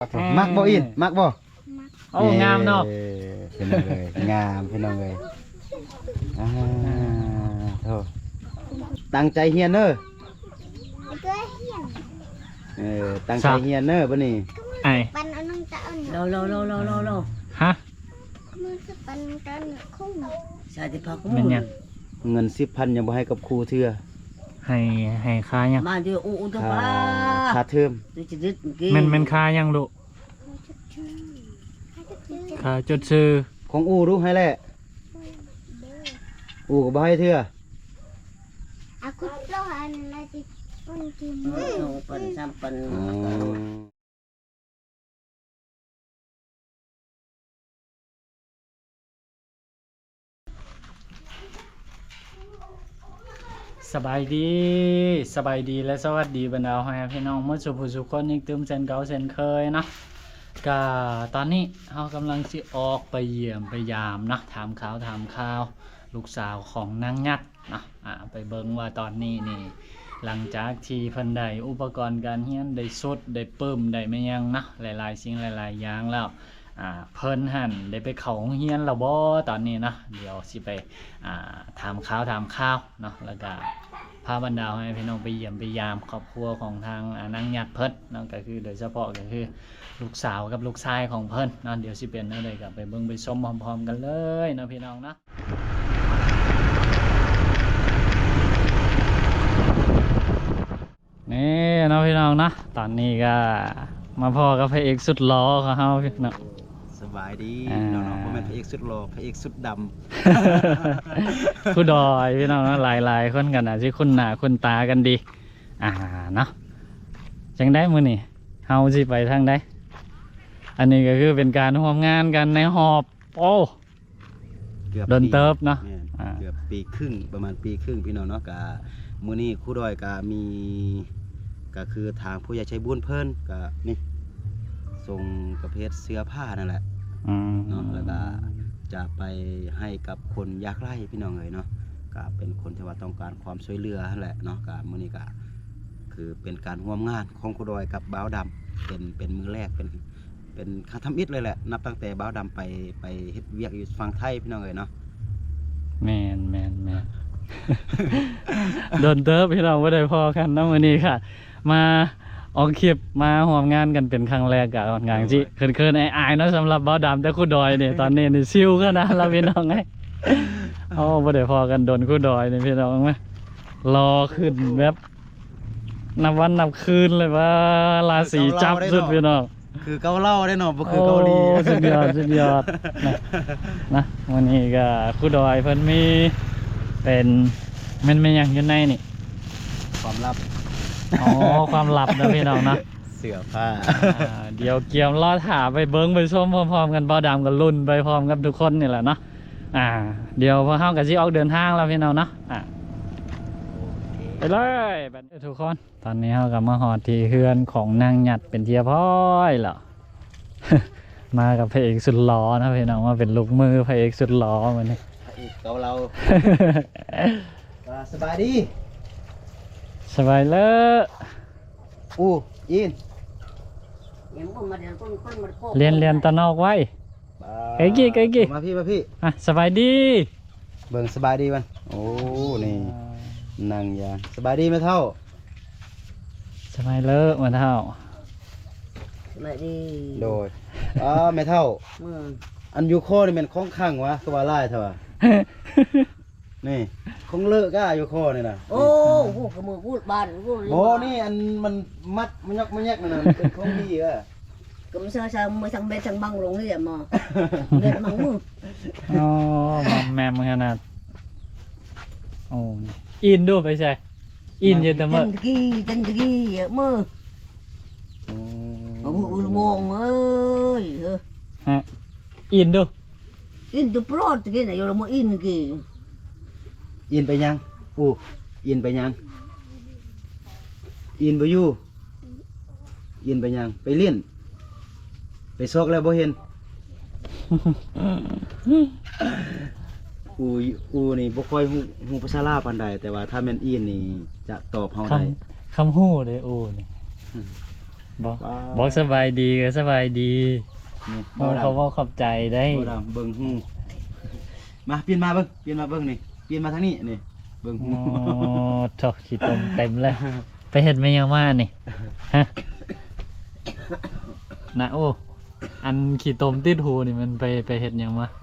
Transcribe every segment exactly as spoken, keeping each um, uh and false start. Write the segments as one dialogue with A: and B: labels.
A: มักบ่อินมักบ่
B: โอ้งามเนาะ
A: พี่น้องเลยงามพี่น้องเลยอ่าโธ่ตั้งใจเฮียนเด้อเออตั้งใจเฮียนเด้อบ่นี่
B: ไอ้
C: ปันเอาน้องตาเอา
D: โลโลโลโลโลโล
B: ฮะ
C: มือสปันตอนคุ้ม
D: ชาติพัก
B: เป็นยัง
A: เงินสิบพันยังบ่ให้กับครูเทื่อ
B: ให้ให้ค่ายัง
D: มาเดี๋ยวอู้อู้ตัว
A: ค่า
D: ป้า
A: ค่าเทอม
D: ตัวจะดึดกี่
B: แมันแมันค่ายังลูกค่าจดซื้อ
A: ของอูรู้ให้แหละอูก็บ่ให้เทื่อ
C: อาคุดโลหันอะไรที่ปุ่นกิน
D: สองปันสามปัน
A: อ๋อ
B: สบายดีสบายดีและสวัสดีบรรดาพ่อแม่พี่น้องเมื่อสุภุสุขคนอีกตึมเซนเก่าเซนเคยเนาะก็ตอนนี้เรากำลังสิออกไปเยี่ยมไปยามเนาะถามข่าวถามข่าวลูกสาวของนางยัดเนาะอ่าไปเบิ่งว่าตอนนี้นี่หลังจากที่เพิ่นได้อุปกรณ์การเรียนได้สุดได้ปึ้มได้ไม่ยังนะหลายๆสิ่งหลายๆอย่างแล้วอ่าเพิ่นหั่นได้ไปเข้าโรงเรียนแล้วบ่ตอนนี้นะเดี๋ยวสิไปอ่าถามข่าวถามข่าวเนาะแล้วก็พาบรรดาให้พี่น้องไปเยี่ยมไปยามครอบครัวของทางนางยัดเพิ่นเนาะก็คือโดยเฉพาะก็คือลูกสาวกับลูกชายของเพิ่นเนาะเดี๋ยวสิเป็นอะไรก็ไปเบิ่งไปชมพร้อมๆกันเลยเนาะพี่น้องเนาะนี่เนาะพี่น้องเนาะตอนนี้ก็มาพอกับพระเอกสุดหล่อของเฮาพี่น้อง
A: สบายดี
B: อ่า
A: น้องๆบ่แม่นพระเอกสุดหล่อพระเอกสุดดำ
B: ผู้ดอยพี่น้องเนาะหลายๆคนกันอาจจะคุ้นหน้าคุ้นตากันดีอ่าเนาะจังได้มื้อนี้เฮาสิไปทางใดอันนี้ก็คือเป็นการร่วมงานกันในหอบโอ้
A: เกือบ
B: โดนเติบเนาะ
A: แม่
B: อ่า
A: เกือบปีครึ่งประมาณปีครึ่งพี่น้องเนาะกะมื้อนี้ครูดอยกะมีก็คือทางผู้ใหญ่ใจบุญเพิ่นก็นี่ส่งประเภทเสื้อผ้านั่นแหละ
B: อืม
A: เนาะแล้วก็จะไปให้กับคนยากไร้พี่น้องเอ๋ยเนาะก็เป็นคนที่ว่าต้องการความช่วยเหลือนั่นแหละเนาะก็มื้อนี้ก็คือเป็นการร่วมงานของครูดอยกับบ่าวดำเป็นเป็นมือแรกเป็นเป็นคาทำอิฐเลยแหละนับตั้งแต่บ่าวดำไปไปเฮ็ดเวียกอยู่ฝั่งไทยพี่น้องเอ๋ยเนาะ
B: แม่นแม่นแม่น โดนเติบพี่น้องบ่ได้พอกันเนาะมื้อนี้ค่ะ มาออกคลิปมาร่วมงานกันเป็นครั้งแรกก็ค่อนข้างสิเขินๆอายๆเนาะสำหรับบ่าวดำแต่ครูดอยนี่ตอนนี้นี่ซิวขนาดแล้วพี่น้องเอ้ย โอ้บ่ได้พอกันโดนครูดอยนี่พี่น้องมั้ยรอขึ้นแบบนับวันนับคืนเลยว่าราศีจับสุดพี่น้อง
A: คือเกาเหล่าได้เนาะบ่คือเกาหลี
B: โอ้สุดยอดสุดยอดนะนะวันนี้ก็ครูดอยเพิ่นมีเป็นแม่นแม่นหยังอยู่ในนี่
A: ความลับ
B: อ๋อความลับนะพี่น้องนะ
A: เสื้อผ้า
B: อ่าเดี๋ยวเกียมรอถาไปเบิ้งไปชมพร้อมๆกันบ่ดำกับรุ่นไปพร้อมกับทุกคนนี่แหละเนาะอ่าเดี๋ยวพอเฮากับสิออกเดินทางแล้วพี่น้องเนาะอ่าไปเลยบัดนี้ทุกคนตอนนี้เฮาก็มาฮอดที่เฮือนของนางหยัดเป็นเทียพ้อยแล้ว มากับพระเอกสุดหล่อนะพี่น้องว่าเป็นลูกมือพระเอกสุดหล่อมื้อนี้
A: อีกเกาเหลาว่าสบายดี
B: สบายเลย
A: อู้ยิน
D: ยังบ่มาเดี๋ยวคนคนมาโค
B: เรียนเรียนตะนอกไว้ ไก่กี่ไก่กี่
A: มาพี่มาพี่
B: อ่ะสบายดี
A: เบิ่งสบายดีมันโอ้นี่นั่งยางสบายดีไหมเท่า
B: สบายเลยเหมือนเท่า
D: มาดี
A: โดยอ่าไม่เท่า
D: มือ
A: อันยูโคนี่เป็นของข้างวะก็ว่าไล่เถอะวะนี่ของเลิกก้ายูโคนี่นะ
D: โอ้โหกระมือพูดบ้านพูด
A: โอ้นี่อันมันมัดมันยกมันแยกนั่นน่ะมันเป็นของดีอ่ะ
D: ก็ไม่ใช่ใช่มือทั้งเบ็ดทั้งบังลงนี่แหละมาเด็ดมังมือ
B: อ๋อมอมแมมขนาดโอ้อินดูไปใช่อินเยอะแต่เมื่อ
D: จันทกี้จันทกี้มือ
A: อืม
D: โอ้โหมองเอ้ย
B: ฮะอินดู
D: อินตัวโปรดกี้นะอยู่ละมืออินกี้
A: อินไปยังอู้อินไปยังอินไปอยู่อินไปยังไปเล่นไปซอกแล้วบ่เห็น อูอูนี่บ่ค่อยฮู้ฮู้ภาษาลาวปานใดแต่ว่าถ้าแม่นอินนี่จะตอบเฮา
B: ค
A: ได้
B: ำคำหู้เลยโอ้นี่บอกบอกสบายดีก็สบายดี
A: นี่
B: โอ้เขาบอกขอบใจได้
A: บ่ดำเบิ่งหูมาเปลี่ยนมาเบิ่งเปลี่ยนมาเบิ่งนี่เปลี่ยนมาทางนี้นี่เบิ่งหู
B: โอ้ทอกขี้ตมเต็มเลยไปเห็ดไม่ยังมานี่ฮะนะโอ้อันขี้ตมติดหูนี่มันไปไปเห็ดยังมา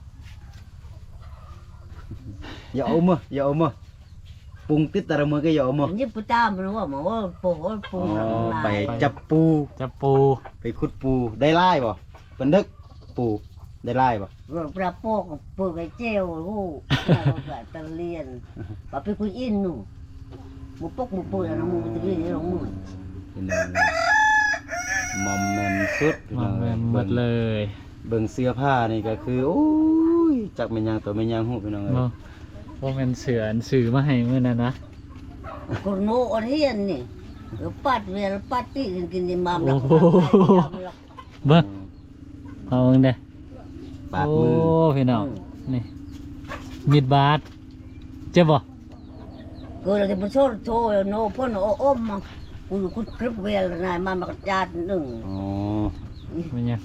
A: อย่าเอามืออย่าเอามือปรุงติดแต่ละมือก็อย่าเอามือ
D: นี่ปุตตามรู้ว่าหมอว่าปูปู
A: อ๋อไปจับปู
B: จะปู
A: ไปขุดปูได้ไล่บ่เป็นดึกปูได้ไล่บ่
D: ปลาโปกปูไปเจียวหูแบบตะเลียนปลาไปคุยอินหนูหมูปกหมูปูแล้วหมูตะเลียนนี่ลงมือ
A: พี่น้องมอมแมมสุดพี่
B: มา
A: น้อง
B: แม่นหมดเลย
A: เบิ่งเสื้อผ้านี่ก็คือโอ้ยจักเป็นหยังตัวเป็นหยังฮู้พี่น้องเอ้ย
B: ว่าว่ามันเสืออันสื่อมาให้มื่อนั้นนะ
D: คนโง่อันเฮียนนี่ปัดเวลปัดตีกินกินในมามหลัก
B: เบิ้งเอาเบิ่งเด้
A: ปาด
B: โอ้
A: มือ
B: พี่น้องนี่มีดบาดเจ็บบ่
D: ก็เลยจะไปโชว์โชว์โน่พ่นโอ้อมมากูกูคลิปเวลนายมามาจานหนึ่ง
A: อ๋อ
B: มันยัง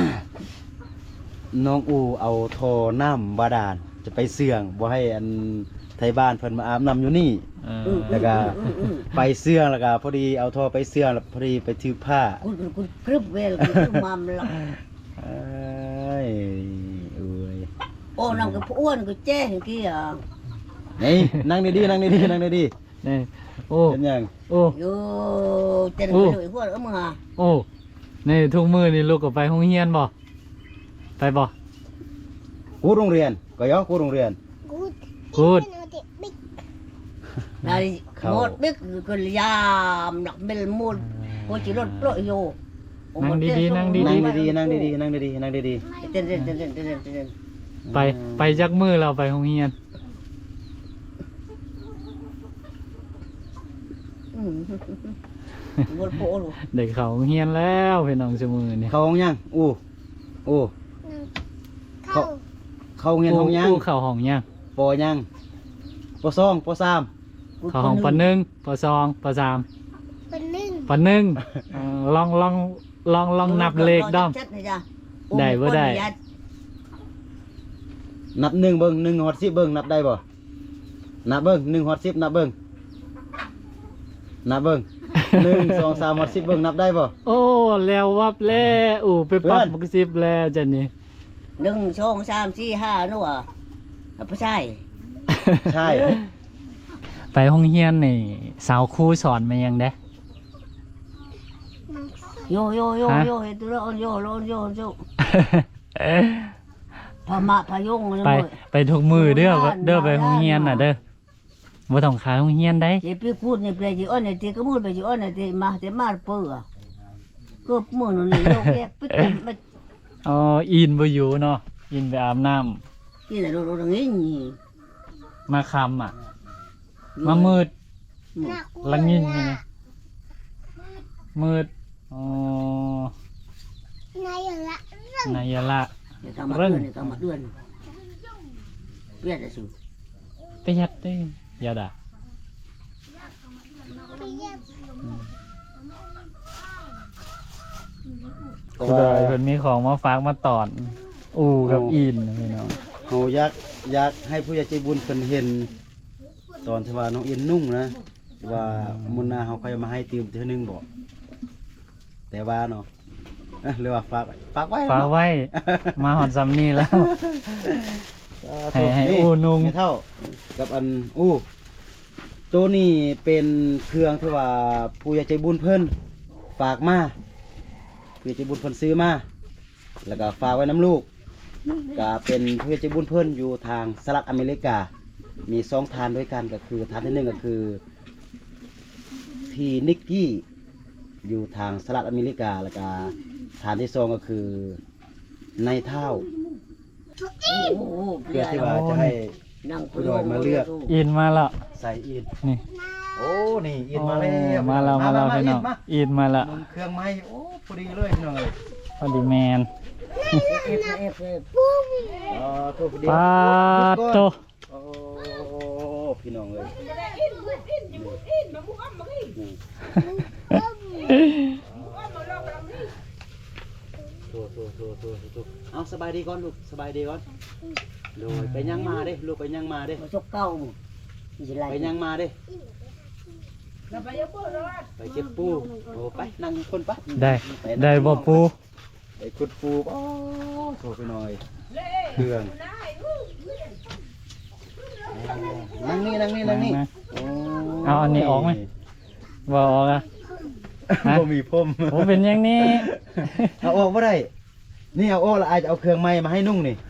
A: น้องอูเอาทอน้ำบาดาลจะไปเสื่องบ่ให้อันไทยบ้านเพิ่นมาอาบน้ำอยู่นี่
B: เออ
A: แล้วก็ไปเสื่องแล้วก็พอดีเอาทอไปเสื่องแล้วพอดีไปถือผ้า
D: กูกูคลิปเวลกูมามหลัก
A: เอ้ยเอ้ย
D: โอ้นำกับอ้วนกูแจ้งกี้อ่ะ
A: นี่นั่งดีๆนั่งดีๆนั่งดี
B: นี่โอ้
A: ๆเป็นหยัง
B: โอ้
D: อยู่เจนไปเลยพวกเออมึงอ่ะ
B: โอ้ในทุกมือนี่ลูกก็ไปห้องเรียนบ่ไปบ่
A: กูโรงเรียนก็ยอกูโรงเรียน
C: Good.
B: Good.
C: Even with it big.
D: นายหมดบิ๊กก็ยามหนักเบลมูดกูจีรถปล่อยอยู่
B: นั่งดีๆนั่งดี
A: นั่งดีๆนั่งดีๆนั่งดีๆนั่งดี
D: เต้นเต้นเต้นเต้นเต้นเต้น
A: ๆ
B: ไปไปจักมือเราไปห้องเรียน
D: อืมบนโปลู
B: เด็กเขาห้องเรียนแล้วพี่น้องเสมอนี่
A: เข้าห้องยังอู้อู้
C: No.
A: เข้าเงินห้องยัง
B: อู้เข้าห้องยัง
A: ปอยังปอสองปอสาม
B: เข้าห้องปหนึ่งปสองปสาม
C: But then.
B: ปหนึ่งเอ่อลองลองลองลองนับเลขด้อม ได้บ่ได้
A: นับหนึ่งเบิ้งหนึ่งฮอดสิบเบิ้งนับได้บ่นับเบิ้งหนึ่งฮอดสิบนับเบิ้งนับเบิ้งหนึ่งสองสามฮอดสิบเบิ้งนับได้บ่
B: โอ้แล้ววับแล้วอู้ไปปรับ
A: เพื่อน
B: บักสิบแล้วจันนี่
D: หนึ่งสองสามสี่ห้านู่นอ่ะไม่ใช่
A: ใช่
B: ไปห้องเรียนนี่สาวครูสอนมายังเด้
D: โยโยโยโยเฮตุโรโยโลโยโยพม่าพยง
B: ไปไปทุกมือเด้อเด้อไปห้องเรียนน่ะเด้อบ่ต้องขายห้องเรียนได้
D: เจ็บพี่พูดในเปลจีอ้อนในตีก็มูดไปจีอ้อนในตีมาแต่มาเปื่อก็มือหนูนี่โยกแยกปิ๊กมา
B: อ๋ออินบ่อยู่เนาะอินไปอาบน้ำ
D: ที่ไหนดูดูงี้นี่
B: มาคำอ่ะ มามืดละงินไงมืดอ๋อ
C: Này là
B: นายละ
D: เดี๋ยวทำมาเดือนเดี๋ยวทำมาเดือนเปลี่ยนเลยสิ
B: ไปยัดได้ยาดาคุณดอยเพิ่นมีของมาฝากมาตอน อูกับอินนะพี่น้อง
A: เฮาอยากอยากให้ผู้ใหญ่ใจบุญเพิ่นเห็น ตอนที่ว่าน้องเอ็นนุ่งนะว่ามื้อหน้าเฮาค่อยมาให้ติมเทื่อนึงบ่แต่ว่าเนาะเอ้อหรือว่าฝากไว้ฝากไว้
B: ฝากไว้ มาหอดซ้ำนี่แล้ว ให้ให้อู้นุ่ง
A: ให้เท่ากับอันอู้ตัวนี้เป็นเครื่องที่ว่าผู้ใหญ่ใจบุญเพิ่นฝากมาผู้ใหญ่ใจบุญเพิ่นซื้อมาแล้วก็ฝากไว้น้ำลูกก็เป็นผู้ใหญ่ใจบุญเพิ่นอยู่ทางสหรัฐอเมริกามีสองทานด้วยกันก็คือทานที่หนึ่งก็คือพี่นิกกี้อยู่ทางสหรัฐอเมริกาแล้วก็ทานที่สองก็คือในเท่า
D: โอ้โห
A: เพื่อที่ว่าจะให้
D: นั่ง
B: อินมาแล้ว
A: ใส่อิน
B: นี่
A: โอ้นี่อินมาแล้ว
B: มาแล้วมาแล้วพี่น้อง
A: มา
B: อินมาแล้ว
A: หมุนเครื่องไม้โอ้พอดีเลยพี่น้องเลย
B: พอดีแมน
D: เอฟเอฟเอฟ
A: อ๋อโทษพอดี
B: ปาดโต
A: โอ้พี่น้องเลยโทษโทษโทษโทษโทษเอาสบายดีก่อนลูกสบายดีก่อนโดยไปยังมาเด้ลูกไปยังมาเด้
D: มาชกเก้าสิไร
A: ไปยังมาเด้ไปเก็บปูโอ้ไปนั่งคนปะ
B: ได้ได้บ่ปู
A: ไปขุดปูโอ้โทษไปหน่อยเครื่องนั่งนี่นั่งนี่นั่งนี่โ
B: เอาอันนี้ออกไหมบ่ออกอ่ะ ฮะ
A: บ่มีพรม
B: โอ้เป็นอย่างนี้
A: เอาออกบ่ได้นี่เอาออกแล้วอาจจะเอาเครื่องไม้มาให้นุ่งนี่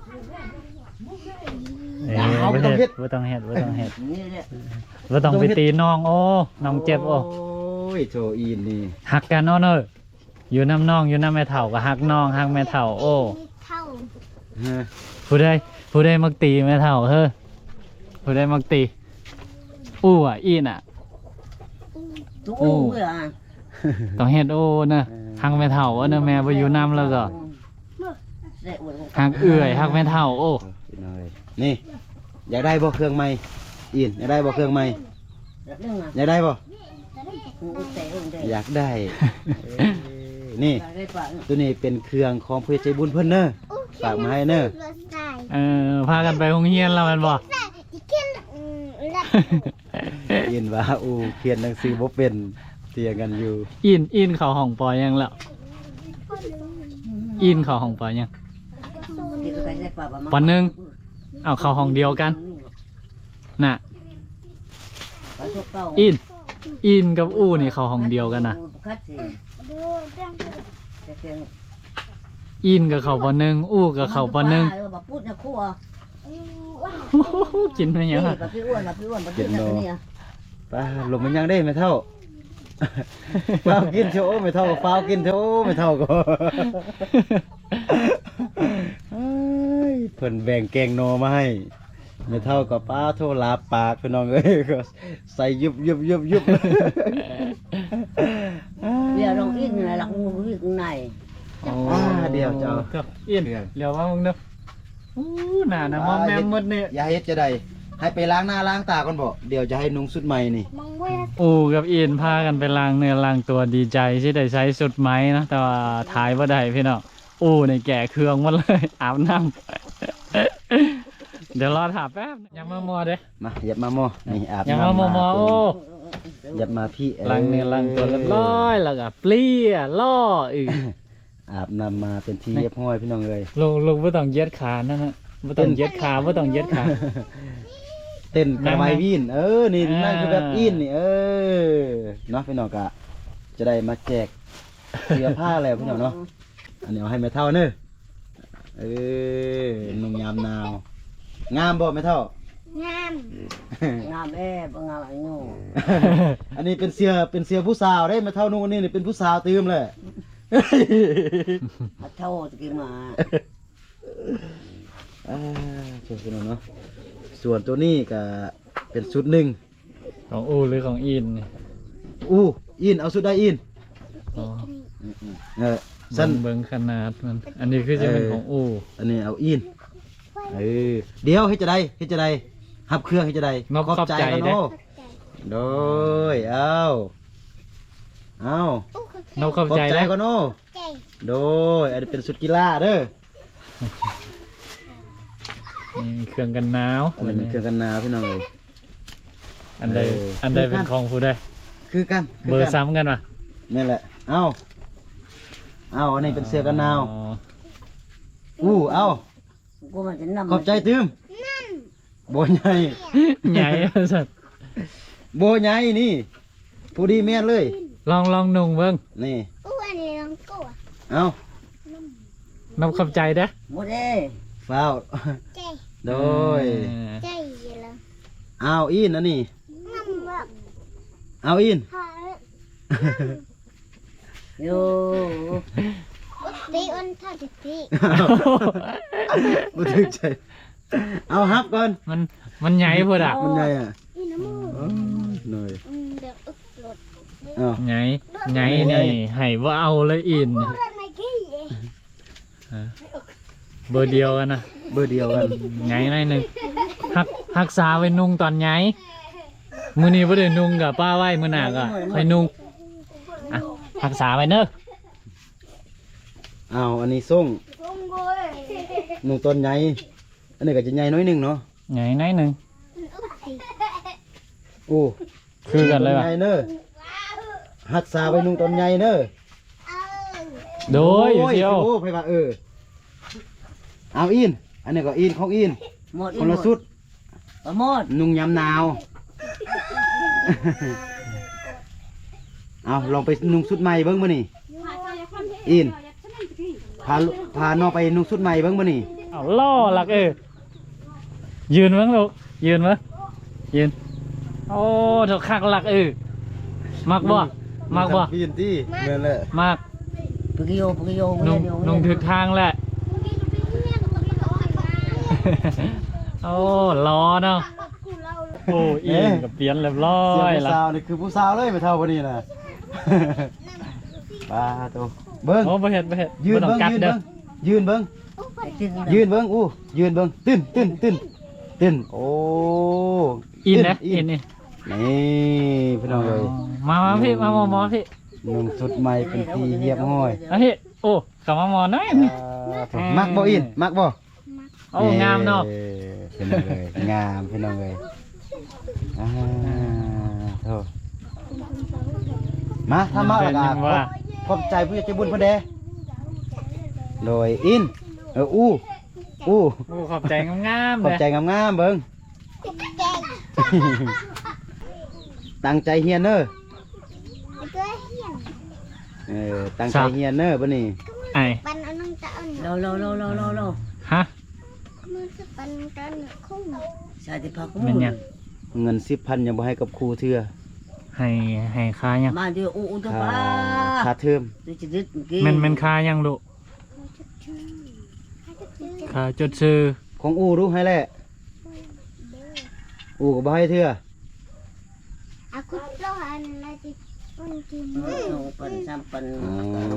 B: เอ้ย
A: เอา
B: บ่
A: บ่ต้องเฮ็
B: เฮ็
A: ด
B: ดบ่ต้องเฮ็ดบ่ต้องเฮ็ด
D: นี่เนี่ย
B: บ่ต้องไปตีน้องโอ้น้องเจ็บโอ้
A: โอ้ยโจอีนนี่
B: หักกันเนาะเนอะอยู่น้ำน้องอยู่น้ำแม่เฒ่าก็หักน้องหักแม่เฒ่าโอ้
C: มีเท่า
A: ฮะ
B: ผู้ใดผู้ใดมักตีแม่เฒ่าเฮ้อผู้ใดมักตีอู้อ่ะอีน่ะ
D: ตู้อู้เมื่อ
B: ต้องเฮ็ดโอ้นะหักแม่เฒ่าเอาเนอะแม่บ่อยู่น้ำแล้วก็หักเอื้อยหักแม่เฒ่าโอ้
A: พี่น้อยนี่อยากได้บ่เครื่องไม้อีนอยากได้บ่เครื่องไม้
D: รักเรื่องอ่ะ
A: อยากได้บ่
D: กูเตะกูเตะ
A: อยากได้เอ้ยนี่
D: ได้ปะ
A: ตัวนี้เป็นเครื่องของผู้ใจบุญเพิ่นเด้อฝากมาให้เด้อ
C: รถใส่
B: เออพากันไปโรงเรียนแล้วแม่นบ่
C: ใส่ที่เขียนอืมแล้ว
A: ยินว่าอูเขียนหนังสือบ่เป็นเตียงกันอยู่
B: อินอินเข้าห้องปอยังแล้วอินเข้าห้องปอยัง วันหนึ่ง เอาเข้าห้องเดียวกันน่ะอินอินกับอู้นี่เข้าห้องเดียวกันน่ะ
C: ดูเรื่อง
B: อินกับเขาปอหนึ่งอู้กับเขาปอหนึ่ง
D: พูดนะครัว
C: อืมว่า
B: กินไปยัง
D: นี่
B: ไง
D: ปะพี่อ้วนปะพี่อ้วนปะพี่อ้วนนี่อ่ะ
A: ป้าลมมันยังได้ไม่เท่า ฟ้าวกินโชว์ไม่เท่ากับฟ้าวกินโชว์ไม่เท่าก็เอ้ยเพิ่นแบ่งแกงโนมาให้ไม่เท่ากับป้าโทรลาปากพี่น้องเอ้ยก็ใส่ยุบยุบยุบยุบ
D: เดี๋ยวลองอินนะหลักงูวิ่งใน
A: อ่าเดี๋ยวจะเอา
B: ครับอินเดี๋ยวว่ามึงเนาะอู้หน้านะมอมแมมหมดเนี่ย
A: อย่าเฮ็ดจะได้ให้ไปล้างหน้าล้างตาก่อนบ่เดี๋ยวจะให้นุ่งชุดใหม่นี่
C: มองเว้ย
B: อู้กับอินพากันไปล้างเนื้อล้างตัวดีใจที่ได้ใช้สุดไหมนะแต่ว่าถ่ายว่าได้พี่น้องอู้ในแก่เครื่องหมดเลย อาบน้ำเดี๋ยวรอถามแป๊บยังมามัวเด้
A: มาหยับมาหม้อนี่อาบ
B: ยัง
A: น้ำ
B: มามัวมัวโอ้
A: หยับมาพี่
B: ล้างเนื้อล้างตัวเรียบร้อยแล้วก็เปลี่ยล่ออีก
A: อาบน้ำมาเป็นที่เรียบร้อยพี่น้องเอ้ย
B: ลงลงไม่ต้องเย็ดขานั่นนะไม่ต้องเย็ดขาไม่ต้องเย็ดขา
A: เต้นกระไมวินเออนี่
B: อ่านั่
A: นั่นคือแบบอินนี่เออเนาะพี่น้องกะจะได้มาแจกเสื้อผ้าแล้วพี่น้องเนาะอันนี้เอาให้แม่เท่าเนอะเออนุ่งยามหนาวงามบ่แม่เท่าง
C: าม
D: งามแอบงามไอ้หนู
A: อันนี้เป็นเสื้อเป็นเสื้อผู้สาวได้แม่เท่านุ่งอันนี้นี่เป็นผู้สาวตื่มเลย
D: มาเท่าตะกี้มา
A: อ่าเชิญพี่น้องเนาะส่วนตัวนี้ก็เป็นชุดหนึ่ง
B: ของอูหรือของอินนี่
A: อู้อินเอาชุดได้อิน
B: อ๋อ
A: เออ
B: สั้
A: สั้
B: น
A: น
B: เบิ้งขนาดมันอันนี้คือจะเป็นของอู
A: อันนี้เอาอินเออเดี๋ยวให้จะได้ให้จะได้หับเครื่องให้จะได้
B: นกขอบใจ
A: กัน
B: เด้
A: โนโดยเอาเอา
C: อู้คือ
B: นกเข้า
A: ขอบ
B: ใจ
A: ใจ
B: แล้ว
A: กันโน
C: ใจ
A: โดยอันนี้เป็นสุดกีฬาเด้อ
B: นี่เครื่องกันหนาว
A: อันนี้เป็นเครื่องกันหนาวพี่น้องเลย
B: อันใด
A: เอออั
B: อันใดเป็นของผู้ใด
A: คือกันคื
B: เบอ
A: กั
B: ร์ซ้ำกันป่ะ
A: นี่แหละเอาเอาอันนี้เป็นเสื้อกันหนาว
B: อ๋อ
A: อู้เอา
D: กูมันจะนำ
A: ขอบใจตื้มโบใหญ่
B: ใหญ่สัตว์
A: โบใหญ่นี่ผู้ดีแม่นเลย
B: ลองลองนุ่งเบิ้ง
A: นี่
C: อู้อันนี้ลองกูอ่ะ
A: เอา
B: นกเข้าใจเด้อ
D: หมดเอ้
A: ฟ้าว
C: ใจ
A: โดย
B: เออ
C: ใจเลย
A: เอาอินอันนี้
C: งามแบบ
A: เอาอิน
C: หา
D: โย
C: อุติอันท่าติติ
A: บ่ถึกใจเอาฮับก่อน
B: มันมันใหญ่พอดะ
A: มันใหญ่อ่ะ
C: นี่น้ำมูก
A: อ๋อหน่อย
C: อืมเดี๋ยวอึกหลด
A: เอา
B: ใหญ่ใหญ่นี่ให้ว่าเอาเลยอิน
C: พูดอะไรกี้เอง
B: เบอร์เดียวกันนะ
A: เบอร์เดียวกัน
B: ใหญ่หน่อยหนึ่งหักหักษาไว้นุ่งตอนใหญ่มื้อนี้บ่ได้นุ่งกับป้าไว้มื้อหน้าก็ค่อยนุ่งอ่ะหักษาไว้เด้อ
A: อ้าวอันนี้ส่ง
C: ส่งเว้ย
A: นุ่งต้นใหญ่อันนี้ก็จะใหญ่น้อยหนึงเนาะ
B: ใหญ่หน่อยหนึง
C: อึดสิ
A: โอ้
B: คือกันเลย
A: ต้
B: ว่ะ
A: ใหญ่เน้อหัดสาไว้นุ่งต้นใหญ่เน้อ
C: เอา
B: โดยอยู่เดียว
A: โอ้ไผว่าเออเอาอินอันนี้ก็อินของอิน
D: หมด
A: คนละสุด
D: บ่หมด
A: นุ่งยามหนาว เอาลองไปนุ่งสุดใหม่เบิ้งมานี่อินพาลุพาน้องไปนุ่งสุดใหม่เบิ้งมานี่
B: เอาล่อหลักเออยืนมั้งลูกยืนมั้งยืนโอ้ถูกคักหลักเออมักบ่มักบ่
A: ปีนที่เมื่อแหละ
B: มัก
D: ปึกโยปึกโย
B: นุ่งนุ่งถึกทางแหละ โอ้ล้อเนาะโอ้อินกับเปลี่ยนเรียบร้อ
A: เสียง
B: ย
A: ผู้
B: ละ
A: สาวนี่คือผู้สาวเลยไม่เท่าวันนี้นะ ปลาตัวเบิ้ง
B: โอ้บ่เฮ็ดบ่เฮ็ด
A: ยืน
B: บ่ต้อ
A: เบิ้
B: ง
A: ง
B: กัด
A: ยืน
B: เด้อ
A: เบิ้งยืนเบิ้งยืนเบิ้งอู้ยืนเบิ้งตื้นตื้นตื้นตื้นโอ้
B: อินนะ
A: อิ
B: อิน
A: น
B: นี่
A: นี่พี่น้องเลย
B: มามาพี่มามอมอพี่
A: นุ่งสุดใหม่เป็นทีเรียบห้อย
B: เอาพี่โอ้กลับมามอหน่อย
A: อ่ามักบ่อินมักบ่
B: โอ้งามเนาะ
A: อ้พี่น้องเลยงามพี่น้องเลยอ่าโธ่มาทำมาแล้วกันขอบใจผู้ใหญ่ใจบุญพอเดโดยอินเอออู้อู้
B: โอ้ขอบใจงามๆ
A: ขอบ
B: เลย
A: ใจงามๆเบิ่ง ตั้งใจเฮียนเนอ
C: เก้เฮียน
A: เออตั้งใจเฮียนเนอบัดนี้
B: ไอ้
C: ปันเอาน้องตาเอาห
D: โล
C: นู
D: โลโลโลโลโล
B: ฮะ
C: มือสปันกันคุ้ม
D: ชาติพัก
B: เป็นหยัง
A: เงินสิบพันยังบ่ให้กับครูเทื่อ
B: ให้ให้ค่ายัง
D: มาเดียวอู้อู้ตัว
A: ค่า
D: ป้า
A: ค่าเทอม
D: ตัวจะดึดกี้
B: แมันแมันค่ายังลูกค่าจดซื้อ
A: ของอูรู้ให้แหละอูก็บ่ให้เทื่อ
C: อาคุดโลหันละจิปันกิน
D: สองปันสามปัน
A: อ๋อ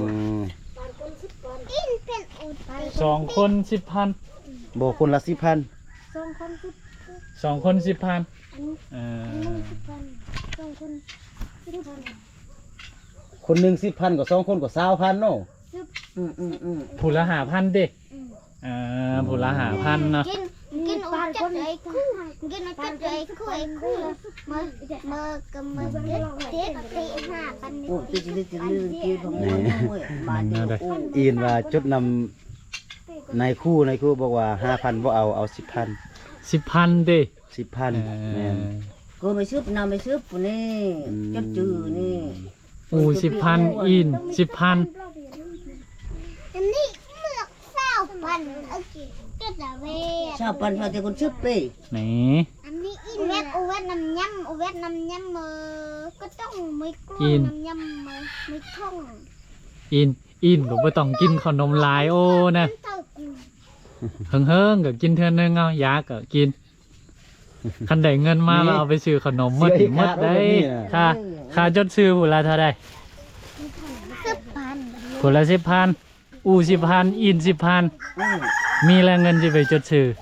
C: อินเป็นอุดไป
B: สองคนสิบพัน
A: บ่คนละสิบพัน
C: สองคนสิบ
B: สองคนสิบพัน
C: อันนี้
B: เอ
C: อัน
B: อ
C: นี้สิบพันสองคนสิบพัน
A: คนหนึ่งสิบพันกับสองคนกับสาวพันเนาะ
D: อืมอืมอืม
B: ผู้ละหาพันเด็กเออผู้ละหาพันเนาะ
C: กินกินอุดจัดไอ้คู่กินอุดจัดไอ้คู่ไอ้คู่มือมือกับมือเด็ดเด็ดตีห้าปัน
D: อู้ตัวจะดึดจะลื่นกี้ของมันมาเดียวอู้
A: อินว่าจุดนำในคู่ในคู่บอกว่าห้าพันบ่เอาเอาสิบพัน
B: สิบพันเด็ก
A: สิบพันแม่น
D: ก็ไม่ซื้อนำไม่ซื้อปุ่นนี่จัดจื้อนี่
B: อูสิบพันอินสิบพัน
C: อันนี้เลือกเศร้าปันโอเคก็จะเว
D: ชาวปันมาแต่คนซื้อไป
B: นี่
C: อันนี้อินเวทอุเวทน้ำยำอุเวทน้ำยำมือก็ต้องไม่กลัวน้ำยำมือไม่ท่อง
B: อินอินก็บ่ต้องกินขนมหลายโอ้นะ
C: เต้ากู
B: เฮิงเฮิงๆก็กินเท่านึงเอายาก็กินคันได้เงินมาแล้วเอาไปซื้อขนมหมดหมดได้ค่าค่าจดซื้อผู้ละเท่าใด
C: สิบพัน
B: ผู้ละสิบพันอูสิบพันอินสิบพัน
D: อืม
B: มีแรงเงินจะไปจดซื้อ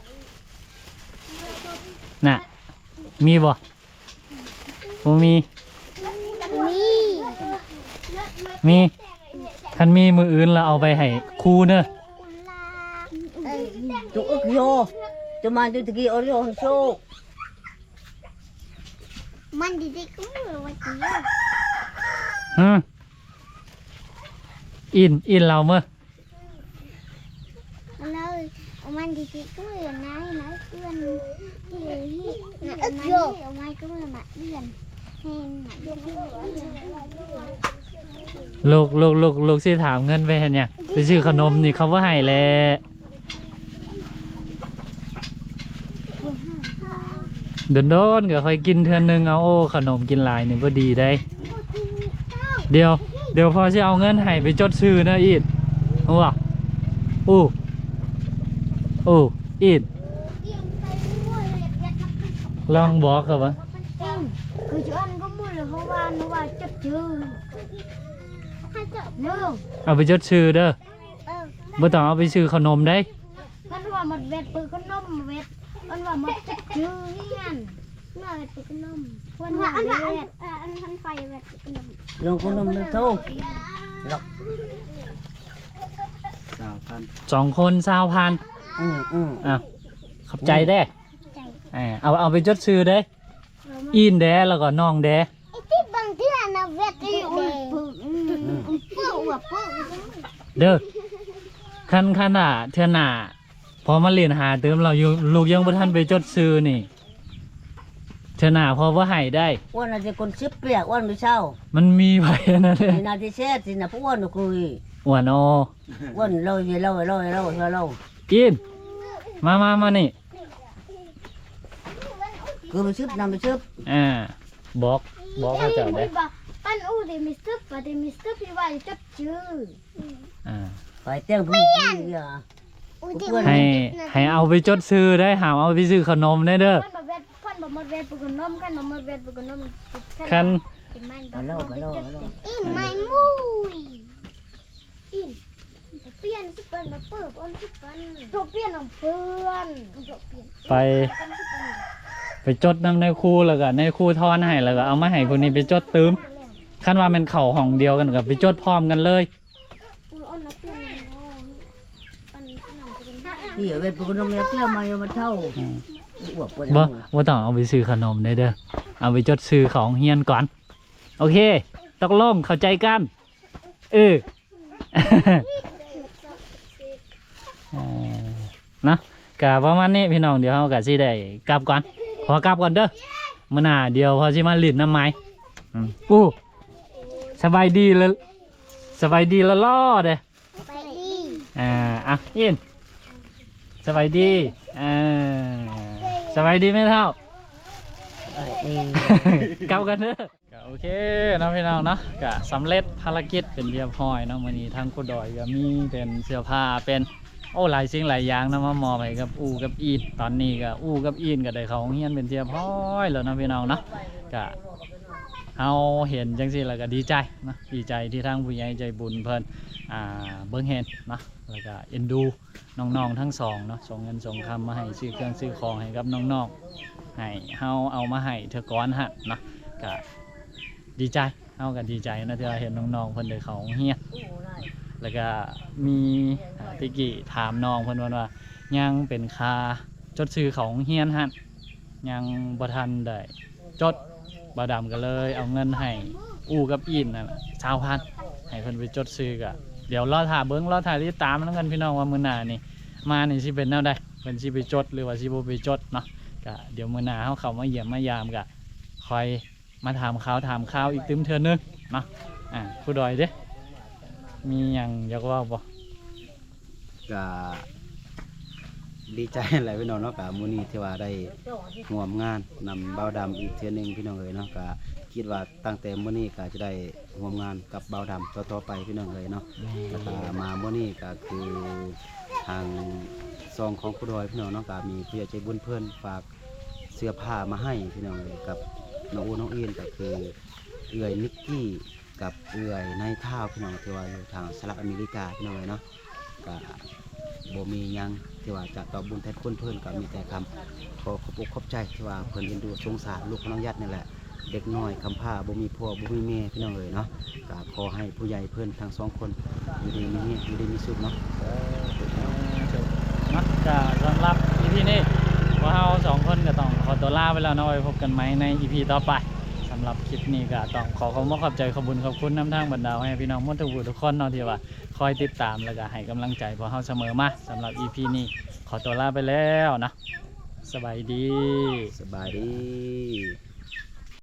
B: น่ะมีบ่บ่มี
C: นี่
B: มีคันมีมืออื่นแล้วเอาไปให้ครูเนอะ
C: เอ้ย
D: ตัวอึกโยตัวมาตัวตะกี้โอริโอโซ
C: มันดีๆก็ไม่รู้ว่าจะ
B: ฮึอินอินเราเมื่อ
C: เลยมันดีๆก็ไม่รู้นะนะเพื่อนที่นะอึกโยเอาไว้ก็ไม่มาเพื่อนเห็นนะเพื่อน
B: ลูกลูกลูกลูกสิถามเงินไปเห็นยังไปซื้อขนมนี่เขาว่าให้แหละเดินโดนก็ค่อยกินเทือนนึงเอาโอ้ขนมกินหลายนี่ก็ดีได้ เดี๋ยวเดี๋ยวพอจะเอาเงินให้ไปจดซื้อนะอีดเอาวะอู้อู้อีดลองบอกกับวะ
C: คือชวนก็มุ่งเลยเพราะว่าหนูว่าจะจืดให้เจาะเนื้อ
B: เอาไปจดซื้อเด้อ
C: เออ
B: บ่ต้องเอาไปซื้อขนมได้
C: มันว่ามันเวทปืนก็นมเวทมันว่ามันจะจืดนี่งั้นเมื่อเวทปืนก็นมวันว่าอันว่าอันอันทันไฟเวทปืนก็นม
D: ลงคนนมเลยโตหลอก
A: พัน
B: สองคนสาวพัน
D: อืมอืม
B: อ่ะขอบใจเด้
C: ใจ
B: อ่าเอาเอาไปจดซื้อเด้อินเด้แล้วก็น้องเด้
C: ไอ้ที่บางเทื่อนะเวทที่อุ่นปึ้งปึ้งหัวปึ้ง
B: เด้อคันคันอ่ะเทื่อหน้าพอมาเรียนหาเติมเราอยู่ลูกยังบ่ทันไปจดซื้อนี่เทื่อหน้าพอบ่ให้ได้
D: อ้วนอาจจะคนชิบเปียกอ้วนไม่เช่า
B: มันมีไผนั่นเด้
D: มีนาทีเช็ดสินะพวกอ้วนน่ะคุย
B: อ้วนโอ
D: อ้วนเล่าเล่าเล่าเล่าเล่าเล่า
B: อินมามามานี่
D: คือไปชิบนำไปชิบ
B: อ่าบอกบอกเขาเจ้าเด้
C: ปั้นอู้เดมิสตึ๊บปะเดมิสตึ๊บพี่ว่าจับชื่อ
B: อ่า
D: ไปเต้งพี่พี่อ่ะ
B: ให้ให้เอาไปจดซื้อได้หามเอาไปซื้อขนมได้เด้อ
C: ปั้นบะเวทปั้นบะมดเวทปุกนมกันบะมดเวทปุกนม
B: คัน
D: มาเล่ามาเล่ามาเล่า
C: อินไม่มุยอินเปลี่ยนสิเปิ้นมาเปิบอ้นสิเปิ้นโจเปลี่ยนของเพื่อนโจเปลี่ยน
B: ไปไปจดนำในครูแล้วก็ในครูทอนให้แล้วก็เอามาให้พวกนี้ไปจดตืมคันว่ามันเข่าห้องเดียวกันกับไปจดพร้อมกันเลย
C: อ้นนักเปลี่ยนปั้นขนมเป็น
D: พี่เวทพวกน้องเลี้ยงมาอยู่มาเท่าอ้วกปวด
B: บ่บ่ต้องเอาไปซื้อขนมได้เด้อเอาไปจดซื้อของเฮียนก่อนโอเคตกลงเข้าใจกันเออ เออนะกะประมาณนี้พี่น้องเดี๋ยวเรากะสิได้กลับก่อนขอกลับก่อนเด้อมื้อหน้าเดี๋ยวพอสิมาลิ้นน้ำไม้อืมอู้สบายดีแล้วสบายดีแล้วล่อเด้อ
C: ไปดี
B: อ่าอ่ะยินสบายดีอ่าสบายดีไหมเท่า เก้ากันเด้อก็โอเคเนาะพี่น้องเนาะก็สำเร็จภารกิจเป็นเรียบร้อยเนาะมื้อนี้ทางกูดอยก็มีเป็นเสื้อผ้าเป็นโอ้หลายสิ่งหลายอย่างเนาะมามอบให้กับอูกับอีนตอนนี้ก็อูกับอีนก็ได้เข้าโรงเรียนเป็นเรียบร้อยแล้วเนาะพี่น้องเนาะก็เอาเห็นจังซี่แล้วก็ดีใจเนาะดีใจที่ทางผู้ใหญ่ใจบุญเพิ่นอ่าเบิ่งเห็นเนาะแล้วก็เอ็นดูน้องๆทั้งสองเนาะส่งเงินส่งคำมาให้ซื้อเครื่องซื้อของให้กับน้องๆ ให้เฮาเอามาให้เธอก้อนฮะเนาะก็ดีใจเฮาก็ดีใจนะที่ว่าเห็นน้องๆเพิ่นได้เข้าโรงเรียนแล้วก็มีอ่าติกี้ถามน้องเพิ่นว่าว่ายังเป็นค่าจดซื้อของโรงเรียนฮะยังบ่ทันได้จดบ่ดำก็เลยเอาเงินให้อู้กับอินนั่นน่ะสามพันให้เพิ่นไปจดซื้อก็เดี๋ยวรอท่าเบิ่งรอท่าติดตามนำกันพี่น้องว่ามื้อหน้านี่มานี่สิเป็นแนวใดเพิ่นสิไปจดหรือว่าสิบ่ไปจดเนาะ ก็เดี๋ยวมื้อหน้าเขาเข้ามาเยี่ยมมายามก็คอยมาถามข่าวถามข่าวอีกตึมเทื่อนึงเนาะอ่าผู้ดอยเด้มีหยังอยากเว่าบ่
A: ก็ดีใจหลายพี่น้องเนาะกับมื้อนี้ที่ว่าได้ร่วมงานนำเบาดำอีกเทื่อหนึงพี่น้องเอ๋ยเนาะก็คิดว่าตั้งแต่มื้อนี้ก็จะได้ร่วมงานกับเบาดำต่อๆไปพี่น้องเอ๋ยเนาะแล้วก็มามื้อนี้ก็คือทางซองของผู้ดอยพี่น้องเนาะก็มีผู้ใหญ่ใจบุญเพิ่นฝากเสื้อผ้ามาให้พี่น้องเอ๋ยกับน้องอูน้องอินก็คือเอื้อยนิกกี้กับเอื้อยนายท่าพี่น้องที่ว่าอยู่ทางสหรัฐอเมริกาพี่น้องเอ๋ยเนาะก็บ่มีหยังที่ว่าจะตอบบุญแทนคุณเพิ่นก็มีแต่คำขอขอบอกขอบใจที่ว่าเพิ่นเอ็นดูสงสารลูกของน้องยัดนี่แหละเด็กน้อยคำผ้าบ่มีพ่อบ่มีแม่พี่น้องเอ๋ยเนาะก็ขอให้ผู้ใหญ่เพิ่นทั้งสองคนอยู่ดีมีเนี่ยอยู่ดีมีสุขเนาะ
B: เนาะก็สำหรับ อี พี นี้พวกเราสองคนก็ต้องขอตัวลาไปแล้วเนาะไว้พบกันใหม่ใน อี พี ต่อไปสำหรับคลิปนี้ก็ต้องขอขอบคุณขอบใจขอบคุณขอบคุณน้ำทางบรรดาให้พี่น้องหมดทุกผู้ทุกคนเนาะที่ว่าคอยติดตามแล้วก็ให้กำลังใจพวกเราเสมอมาสำหรับ อี พี นี้ขอตัวลาไปแล้วนะสบายดี
A: สบายดี